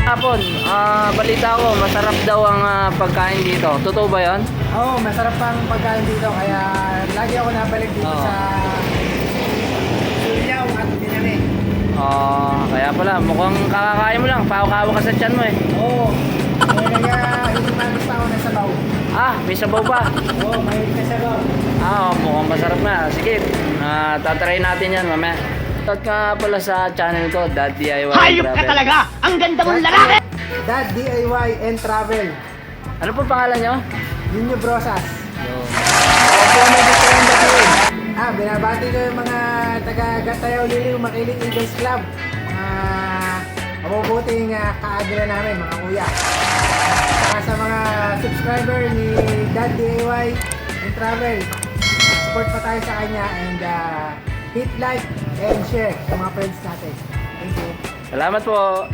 Hapon, balita ko, masarap daw ang pagkain dito. Totoo ba yan? Oo, masarap ang pagkain dito. Kaya lagi ako nabalik dito sa Sulyaw at Binani. Kaya pala, mukhang kakakain mo lang. Pakawa ka sa tiyan mo eh. Oo. Kaya hindi magusta ako ng sabaw. May sabaw pa. Oo, mahilig na sabaw. Mukhang masarap na. Sige, tatry natin yan mamaya. At nga pala sa channel ko, Dad DIY Hayop ka Travel. talaga! Ang ganda mong lalaki! Dad DIY and Travel. Ano po pangalan nyo? Ninyo Brosas. Ako may gusto yung batiin. Binabati ko yung mga taga-Gatayaw Liliw Makiling Eagles Club. Mga mabubuting kaagila namin, mga kuya. Saka sa mga subscriber ni Dad DIY and Travel, support pa tayo sa kanya and hit like and share sa mga friends natin. Thank you. Salamat po.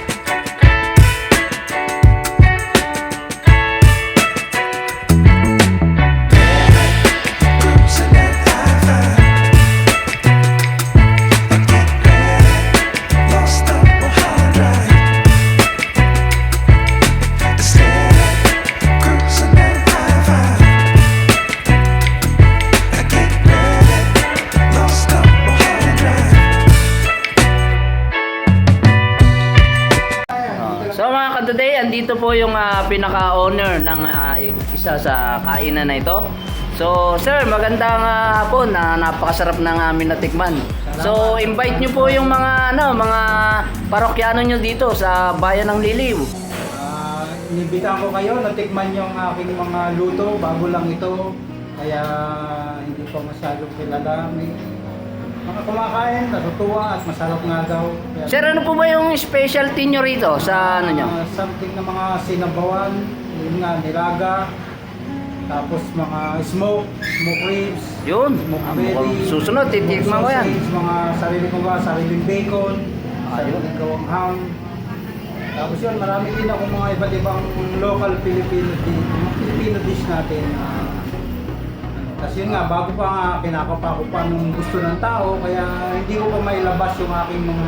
So mga ka-today, andito po yung pinaka-owner ng isa sa kainan na ito. So sir, magandang hapon. Napakasarap ng amin natikman. So invite nyo po yung mga mga parokyano nyo dito sa bayan ng Liliw. Inibitan ko kayo, natikman yung aking mga luto, bago lang ito. Kaya hindi pa masyadong kilala. May mga kumakain, natutuwa at masarap nga daw. Kaya, Sir, ano po ba yung specialty nyo rito sa ano nyo? something na mga sinabawan, yun nga, nilaga. Tapos mga smoke ribs. Yun, Smoke mukhang belly, susunod, titikman ko yan. sausage, mga sarili ko ba, sariling bacon, Ayun. sariling gawang ham. Tapos yun, marami din ako mga iba't ibang local Filipino dish natin. Kasi yun nga, bago pa nga, kinakapa ko pa nung gusto ng tao, kaya hindi ko pa mailabas yung aking mga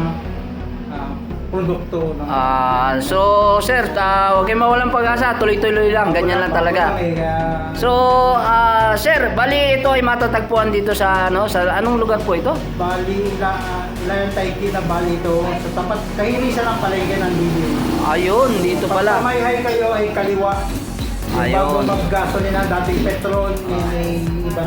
produkto. So sir, huwag kayong mawalang pag-asa, tuloy-tuloy lang, ganyan lang talaga. So sir, bali ito ay matatagpuan dito sa sa anong lugar po ito? Bali, Layan Taiki na bali ito. Sa tapat, kahinisan ang palengke ng Liliw. Ayun, dito pala. Pag may kayo ay kaliwa. Bago Ayun. mag-gasolina, dating petrol, may ibang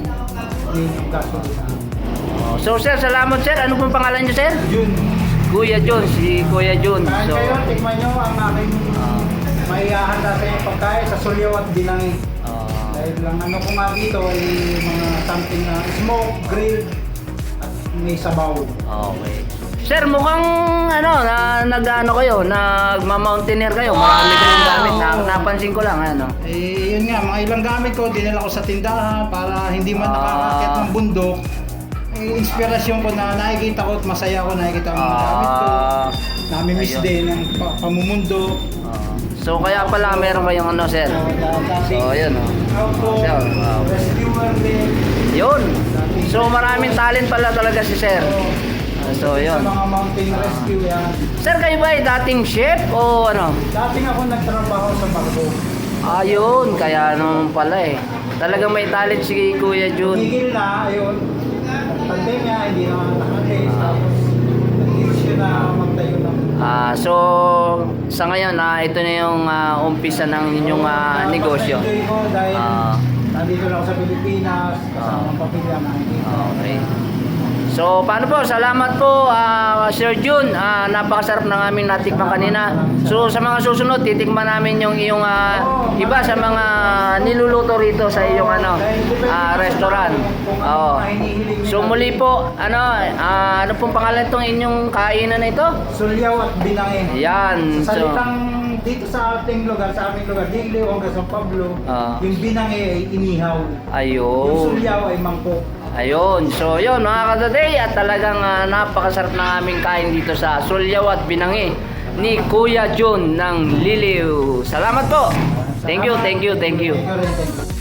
gasolina. So sir, salamat sir. Ano pong pangalan niyo sir? Jun. Kuya Jun, si Kuya Jun. Kain So kayo, tikman nyo ang aking may handa sa inyong pagkain sa Sulyaw at Binangi. Dahil lang ano ko nga dito ay mga something na smoke, grill, at may sabaw. okay. Sir, mukhang nag-ano kayo, nagma-mountaineer kayo. Marami kayong gamit. Napansin ko lang, Yun nga, mga ilang gamit ko, dinala ko sa tindahan para hindi man nakakakit ng bundok. Inspirasyon ko na nakikita ko at masaya ko nakikita ang mga gamit ko. Nami-miss Ayun. din ang pamumundo. So kaya pala meron kayong sir. So ayun Auto, Sir, rescuer din. Yun. So maraming talent pala talaga si sir. So yun. Sa mga mountain rescue yan. Sir, kayo ba ay dating chef o ano? Dating ako nagtrabaho sa barko. Ayun, kaya naman pala eh. Talagang may talent si Kuya Jun. Tigil na, ayun. Pandemya, hindi na nakalis. Tapos, nag-issue na magtayo ng... So sa ngayon ito na yung umpisa ng inyong negosyo. Enjoy ko dahil nandito lang ako sa Pilipinas, kasama ang pamilya na Okay. So paano po? Salamat po Sir Jun. Napakasarap ng aming natikman kanina. So sa mga susunod titikman namin yung iyong iba sa mga niluluto rito sa iyong restaurant. So muli po, ano pong pangalan itong inyong kainan na ito? Sulyaw at Binangi. Yan. Sa So salitang dito sa aming lugar, Liliw hanggang San Pablo, yung Binangi ay inihaw. Yung ayun. Sulyaw ay mangkok. Ayun. So yun mga ka-today, at talagang napakasarap ng aming kain dito sa Sulyaw at Binangi ni Kuya Jun ng Liliw. Salamat po. Thank you. Thank you rin, thank you.